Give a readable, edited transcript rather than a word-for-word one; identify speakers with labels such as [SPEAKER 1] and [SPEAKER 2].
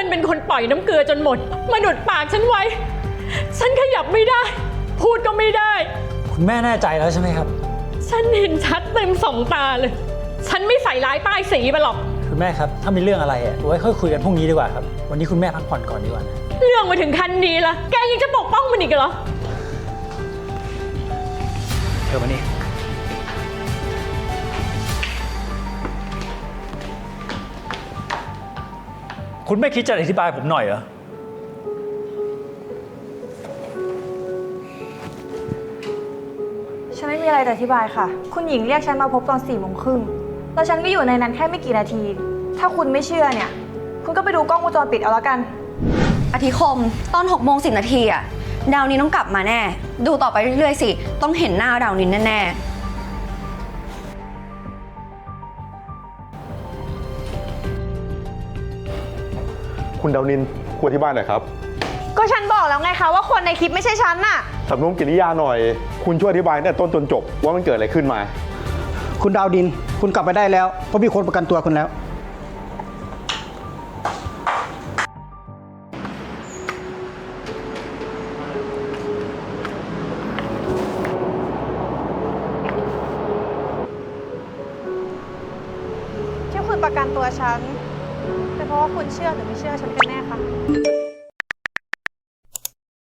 [SPEAKER 1] มันเป็นคนปล่อยน้ำเกลือจนหมดมาดุดปากฉันไว้ฉันขยับไม่ได้พูดก็ไม่ได้
[SPEAKER 2] คุณแม่แน่ใจแล้วใช่ไหมครับ
[SPEAKER 1] ฉันเห็นชัดเต็มสองตาเลยฉันไม่ใส่ร้ายป้ายสีมาหรอก
[SPEAKER 2] คุณแม่ครับถ้ามีเรื่องอะไรไว้ค่อยคุยกันพรุ่งนี้ดีกว่าครับวันนี้คุณแม่พักผ่อนก่อนดีกว่านะ
[SPEAKER 1] เรื่องมาถึงขั้นนี้ละแกยังจะปกป้องมันอีกเหรอ
[SPEAKER 2] เธอมานี่คุณไม่คิดจะอธิบายผมหน่อยเหรอ
[SPEAKER 3] ฉันไม่มีอะไรจะอธิบายค่ะคุณหญิงเรียกฉันมาพบตอน4 โมงครึ่งแล้วฉันก็อยู่ในนั้นแค่ไม่กี่นาที ถ้าคุณไม่เชื่อเนี่ยคุณก็ไปดูกล้องวงจรปิดเอาละกัน
[SPEAKER 4] อธิคมตอน6:10 นาทีอะดาวนินต้องกลับมาแน่ดูต่อไปเรื่อยๆสิต้องเห็นหน้าดาวนินแน่
[SPEAKER 5] คุณดาวนินควรที่บ้านหน่อยครับ
[SPEAKER 3] ก็ฉันบอกแล้วไงคะว่าคนในคลิปไม่ใช่ฉันน่ะ
[SPEAKER 5] สำนวนกิริยาหน่อยคุณช่วยอธิบายตั้งแต่ต้นจนจบว่ามันเกิดอะไรขึ้นมา
[SPEAKER 6] คุณดาวดินคุณกลับไปได้แล้วเพราะมีคนประกันตัวคุณแล้ว
[SPEAKER 3] ที่คุณประกันตัวฉันเป็นเพราะว่าคุณเชื่อหรือไม่เชื่อฉันกันแน่คะ